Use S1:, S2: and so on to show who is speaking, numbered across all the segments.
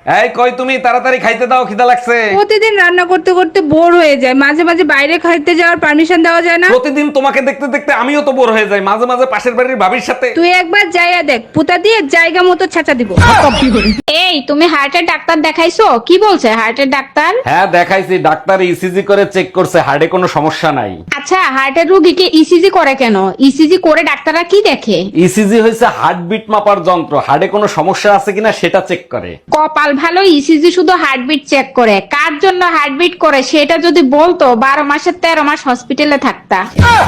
S1: এই কই তুমি, তাড়াতাড়ি খাইতে দাও, খিদা লাগছে।
S2: প্রতিদিন রান্না করতে করতে বোর হয়ে যায়, মাঝে মাঝে বাইরে খাইতে যাওয়ার পারমিশন দেওয়া যায় না?
S1: প্রতিদিন তোমাকে দেখতে দেখতে আমিও তো বোর হয়ে যাই, মাঝে মাঝে পাশের বাড়ির ভাবির সাথে।
S2: তুই একবার যাইয়া দেখ, পুতা দিয়ে জায়গা মতো ছেঁচা দিব। এই তুমি হার্টের ডাক্তার দেখাইছো? কি বলছে হার্টের ডাক্তার?
S1: হ্যাঁ দেখাইছি, ডাক্তার ইসিজি করে চেক করছে, হার্টে কোনো সমস্যা নাই।
S2: আচ্ছা, হার্টের রোগীকে ইসিজি করে কেন? ইসিজি করে ডাক্তাররা কি দেখে?
S1: ইসিজি হয়েছে হার্টবিট মাপার যন্ত্র, হার্টে কোনো সমস্যা আছে কিনা সেটা চেক করে।
S2: কপাল ভালো, ইসিজি শুধু হার্টবিট চেক করে। কার জন্য হার্টবিট করে সেটা যদি বলতো 12 মাসের 13 মাস হসপিটালে থাকতা।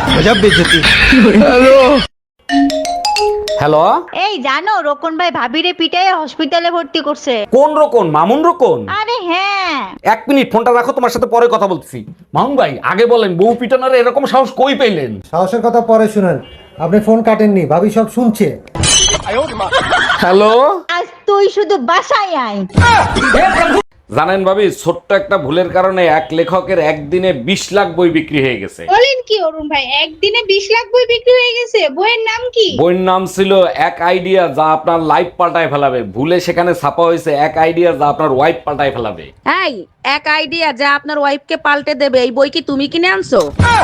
S1: হ্যালো,
S3: এই জানো রোকন ভাই ভাবিরে পিটাই হসপিটালে ভর্তি করছে।
S1: কোন রকম? মামুন রকম?
S3: আরে হ্যাঁ।
S1: এক মিনিট ফোনটা রাখো, তোমার সাথে পরে কথা বলতেছি। মামুন ভাই আগে বলেন, বউ পিটানোর এরকম সাহস কই পেলেন?
S4: সাহসের কথা পরে শুনেন, আপনি ফোন কাটেননি, ভাবি সব শুনছে।
S1: হ্যালো,
S3: আজ তুই শুধু বাসায় আয়।
S1: জানেন ভাবি, ছোট্ট একটা ভুলের কারণে এক লেখকের একদিনে 20 লাখ বই বিক্রি হয়ে গেছে।
S2: বলেন কি অরুণ ভাই, একদিনে 20 লাখ বই বিক্রি হয়ে গেছে? বইয়ের নাম কি?
S1: বইয়ের নাম ছিল এক আইডিয়া যা আপনার লাইফ পাল্টায় ফেলাবে। ভুলে সেখানে ছাপা হয়েছে এক আইডিয়া যা আপনার ওয়াইফ পাল্টায় ফেলাবে।
S5: এই এক আইডিয়া যা আপনার ওয়াইফকে পাল্টে দেবে, এই বই কি তুমি কিনে আনছো?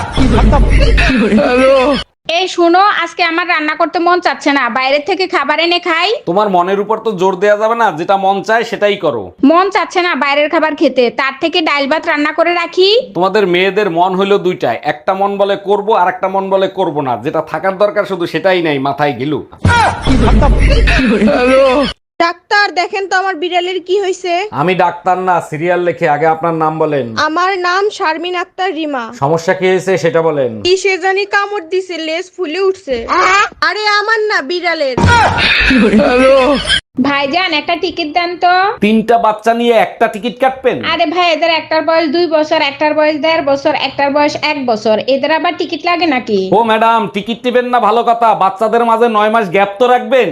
S2: এই শুনো, আজকে আমার রান্না করতে মন চাচ্ছে না, বাইরে থেকে খাবার এনে খাই।
S1: তোমার মনের উপর তো জোর দেয়া যাবে না, যেটা মন চায় সেটাই করো।
S2: মন চাচ্ছে না বাইরের খাবার খেতে, তার থেকে ডাল ভাত রান্না করে রাখি।
S1: তোমাদের মেয়েদের মন হইলো দুইটাই, একটা মন বলে করব আর একটা মন বলে করব না। যেটা থাকার দরকার শুধু সেটাই নাই, মাথায় গিলু।
S6: ডাক্তার দেখেন তো আমার বিড়ালের কি হয়েছে।
S1: আমি ডাক্তার না, সিরিয়াল লেখে। আগে আপনার নাম বলেন।
S6: আমার নাম শারমিন আক্তার রিমা।
S1: সমস্যা কি হয়েছে সেটা বলেন।
S6: কি সে জানি কামড় দিছে, লেজ ফুলে উঠছে। আরে আমার না, বিড়ালের।
S2: ভাইজান একটা টিকিট দেন তো।
S1: 3টা বাচ্চা নিয়ে একটা টিকিট কাটবেন?
S2: আরে ভাই, এদের একটার বয়স 2 বছর, একটার বয়স 1.5 বছর, একটার বয়স 1 বছর, এদের আবার টিকিট লাগে নাকি?
S1: ও ম্যাডাম, টিকিট টিবেন না ভালো কথা, বাচ্চাদের মাঝে 9 মাস গ্যাপ তো রাখবেন।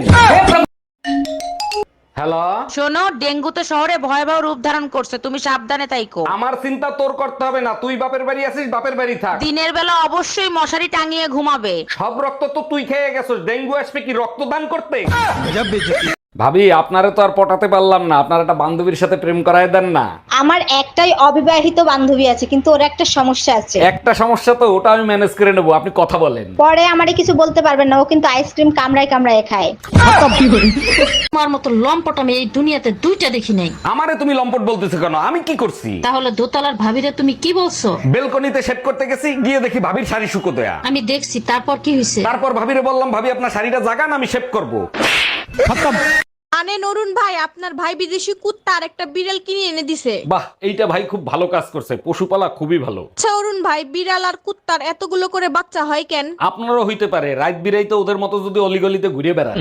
S1: হ্যালো,
S5: শোনো, ডেঙ্গু তো শহরে ভয়াবহ রূপ ধারণ করছে, তুমি সাবধানে তাইকো।
S1: আমার চিন্তা তোর করতে হবে না, তুই বাপের বাড়ি আছিস, বাপের বাড়ি থাক।
S5: দিনের বেলা অবশ্যই মশারি টাঙিয়ে ঘুমাবে।
S1: সব রক্ত তো তুই খেয়ে গেছিস, ডেঙ্গু আসবে কি রক্তদান করতে? ভাবি, আপনারে তো আর পটাতে পারলাম না, আপনার একটা বান্ধবীর সাথে প্রেম করায় দেন না।
S3: আমার একটাই অবিবাহিত বান্ধবী আছে, কিন্তু ওর একটা সমস্যা আছে।
S1: একটা সমস্যা তো, ওটা আমি ম্যানেজ করে নেবো, আপনি কথা বলেন।
S3: পরে আমারে কিছু বলতে পারবেন না, ও কিন্তু আইসক্রিম কামড়ায় কামড়ায় খায়।
S5: তোমার মতো লম্পট আমি এই দুনিয়াতে দুইটা দেখি নাই।
S1: আমারে তুমি লম্পট বলতেছো কেন? আমি কি করছি?
S5: তাহলে দোতলার ভাবিরে তুমি কি বলছো?
S1: বেলকনিতে সেট করতে গেছি, গিয়ে দেখি ভাবির শাড়ি শুকো দেয়া।
S5: আমি দেখছি, তারপর কি হয়েছে?
S1: তারপর ভাবিরে বললাম, ভাবি আপনার শাড়িটা জাগান, আমি শেভ করবো।
S6: আনে নরুন ভাই, আপনার ভাই বিদেশি কুত্তা আর একটা বিড়াল কিনে এনে দিছে।
S1: বাহ, এইটা ভাই খুব ভালো কাজ করছে, পশুপালা খুবই ভালো।
S6: আচ্ছা অরুণ ভাই, বিড়াল আর কুত্তার এতগুলো করে বাচ্চা হয় কেন?
S1: আপনারও হইতে পারে, রাত বিরাইতে ওদের মতো যদি অলিগলিতে ঘুরে বেড়ান।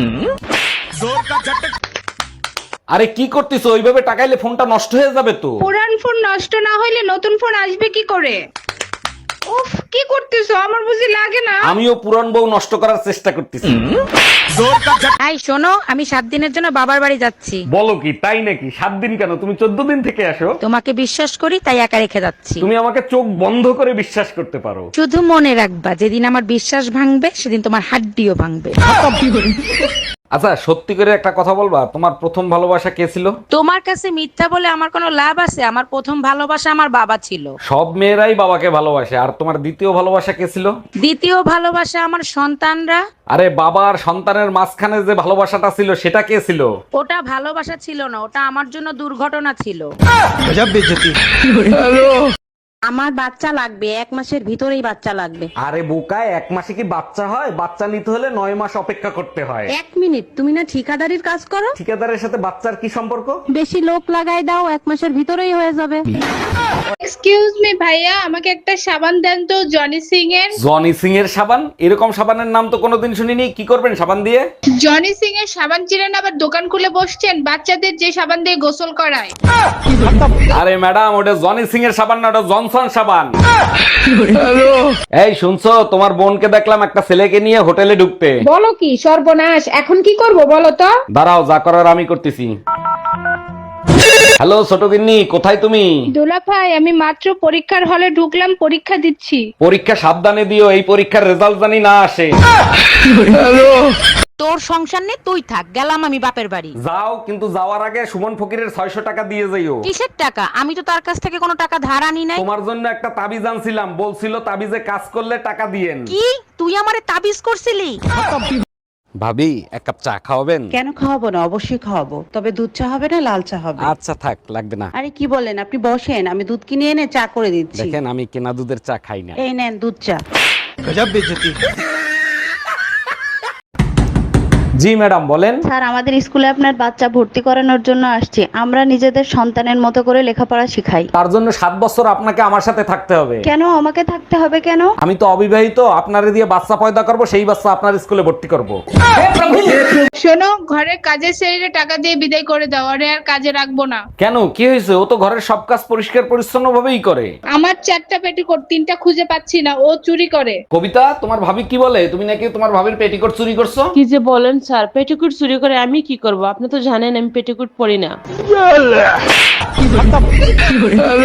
S1: আরে কি করতেছো? ওইভাবে টাকাইলে ফোনটা নষ্ট হয়ে যাবে তো।
S2: পুরান ফোন নষ্ট না হইলে নতুন ফোন আসবে কি করে? উফ, কি করতেছো? আমার বুঝি লাগে না।
S1: আমিও পুরান বউ নষ্ট করার চেষ্টা করতেছি।
S5: এই শোনো, আমি 7 দিনের জন্য বাবার বাড়ি যাচ্ছি।
S1: বলো কি, তাই নাকি? 7 দিন কেন? তুমি 14 দিন থেকে আসো।
S5: তোমাকে বিশ্বাস করি তাই একা রেখে যাচ্ছি।
S1: তুমি আমাকে চোখ বন্ধ করে বিশ্বাস করতে পারো।
S5: শুধু মনে রাখবা, যেদিন আমার বিশ্বাস ভাঙবে সেদিন তোমার হাড্ডিও ভাঙবে।
S1: আচ্ছা, সত্যি করে একটা কথা বলবা, তোমার প্রথম ভালোবাসা কে ছিল?
S5: তোমার কাছে মিথ্যা বলে আমার কোনো লাভ আছে? আমার প্রথম ভালোবাসা আমার বাবা ছিল।
S1: সব মেয়েরাই বাবাকে ভালোবাসে। আর তোমার দ্বিতীয় ভালোবাসা কে ছিল?
S5: দ্বিতীয় ভালোবাসা আমার সন্তানরা।
S1: আরে বাবা আর সন্তানের মাঝখানে যে ভালোবাসাটা ছিল সেটা কে ছিল?
S5: ওটা ভালোবাসা ছিল না, ওটা আমার জন্য দুর্ঘটনা ছিল। আমার বাচ্চা লাগবে, 1 মাসের ভিতরেই বাচ্চা লাগবে।
S1: আরে বোকায়, 1 মাসে কি বাচ্চা হয়? বাচ্চা নিতে হলে 9 মাস অপেক্ষা করতে হয়।
S5: 1 মিনিট, তুমি না ঠিকাদারির কাজ করো?
S1: ঠিকাদারের সাথে বাচ্চার কি সম্পর্ক?
S5: বেশি লোক লাগাই দাও, 1 মাসের ভিতরেই হয়ে যাবে।
S2: এক্সকিউজ মি ভাইয়া, আমাকে একটা সাবান দেন তো, জনি সিং এর।
S1: জনি সিং এর সাবান? এরকম সাবানের নাম তো কোনোদিন শুনিনি। কি করবেন সাবান দিয়ে?
S2: জনি সিং এর সাবান চিনেন? আবার দোকান খুলে বসছেন, বাচ্চাদের যে সাবান দিয়ে গোসল করায়।
S1: আরে ম্যাডাম, ওটা জনি সিং এর সাবান না, ওটা জনসন সাবান। এই শুনছো, তোমার বোনকে দেখলাম একটা ছেলেকে নিয়ে হোটেলে ঢুকতে।
S2: বলো কি সর্বনাশ, এখন কি করব বলো তো?
S1: দাঁড়াও, যা করার আমি করতেছি। হ্যালো ছোট গিন্নি, কোথায় তুমি?
S2: দুলা ভাই, আমি মাত্র পরীক্ষার হলে ঢুকলাম, পরীক্ষা দিচ্ছি।
S1: পরীক্ষা সাবধানে দিও, এই পরীক্ষার রেজাল্ট জানি না আসে।
S5: তোর সংসার নেই, তুই থাক, গেলাম আমি বাপের বাড়ি।
S1: যাও, কিন্তু যাওয়ার আগে সুমন ফকিরের 600 টাকা দিয়ে যাইও।
S5: কিসের টাকা? আমি তো তার কাছ থেকে কোনো টাকা ধার আনি নাই।
S1: তোমার জন্য একটা তাবিজ আনছিলাম, বলছিল তাবিজে কাজ করলে টাকা দিয়েন।
S5: কি তুই আমারে তাবিজ করছিলি?
S1: ভাবি, এক কাপ চা খাওয়াবেন?
S7: কেন খাওয়াবো না, অবশ্যই খাওয়াবো, তবে দুধ চা হবে না লাল চা হবে।
S1: আচ্ছা থাক, লাগবে না।
S7: আরে কি বলেন, আপনি বসেন, আমি দুধ কিনে এনে চা করে দিচ্ছি।
S1: দেখেন, আমি কেনা দুধের চা খাই না।
S7: এই নেন দুধ চা।
S1: জি ম্যাডাম, বলেন।
S8: স্যার, আমাদের স্কুলে আপনার বাচ্চা ভর্তি করানোর জন্য আসছি। আমরা নিজেদের সন্তানের মতো করে লেখাপড়া শিখাই।
S1: তার জন্য 7 বছর আপনাকে আমার সাথে থাকতে হবে।
S8: কেন আমাকে থাকতে হবে কেন?
S1: আমি তো অবিবাহিত, আপনারে দিয়ে বাচ্চা পয়দা করব, সেই বাচ্চা আপনার স্কুলে ভর্তি করব।
S2: শোনো, ঘরের কাজের ছেড়ে টাকা দিয়ে বিদায় করে দাও, আরে আর কাজে রাখবো না।
S1: কেন, কি হয়েছে? ও তো ঘরের সব কাজ পরিষ্কার পরিচ্ছন্ন ভাবেই করে।
S2: আমার 4টা পেটিকোট, 3টা খুঁজে পাচ্ছি না, ও চুরি করে।
S1: কবিতা, তোমার ভাবি কি বলে? তুমি নাকি তোমার ভাবির পেটিকোট চুরি করছো?
S9: কি যে বলেন স্যার, পেটিকুট চুরি করে আমি কি করব? আপনি তো জানেন আমি পেটিকুট পরি না।